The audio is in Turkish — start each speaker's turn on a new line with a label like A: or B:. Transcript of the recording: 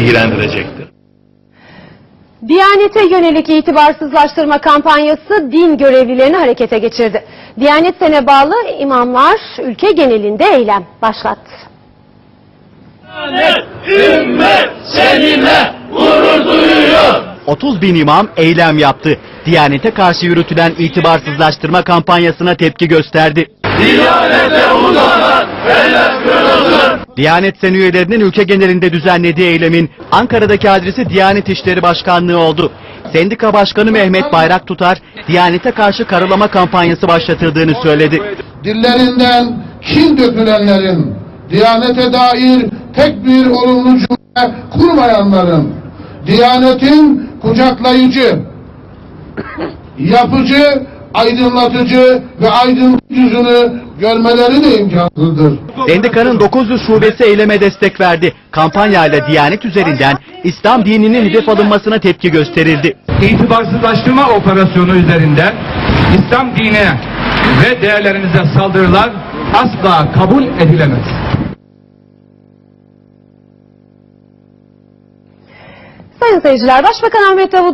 A: ilgilendirecektir.
B: Diyanete yönelik itibarsızlaştırma kampanyası din görevlilerini harekete geçirdi. Diyanet Sen'e bağlı imamlar ülke genelinde eylem başlattı.
A: Ümmet seninle gurur duyuyor.
C: 30 bin imam eylem yaptı. Diyanete karşı yürütülen itibarsızlaştırma kampanyasına tepki gösterdi.
A: Diyanete uzanan eller kırılsın.
C: Diyanet Sen üyelerinin ülke genelinde düzenlediği eylemin Ankara'daki adresi Diyanet İşleri Başkanlığı oldu. Sendika Başkanı Mehmet Bayraktutar, Diyanete karşı karalama kampanyası başlatıldığını söyledi.
D: Dillerinden kin dökülenlerin, Diyanete dair tek bir olumlu cümle kurmayanların, Diyanetin kucaklayıcı, yapıcı, aydınlatıcı ve aydınlık yüzünü görmeleri de imkansızdır.
C: Sendikanın 900 şubesi eyleme destek verdi. Kampanyayla Diyanet üzerinden İslam dininin hedef alınmasına tepki gösterildi.
E: İtibarsızlaştırma operasyonu üzerinden İslam dinine ve değerlerimize saldırılar asla kabul edilemez.
B: Sayın seyirciler, Başbakan Ahmet Davutoğlu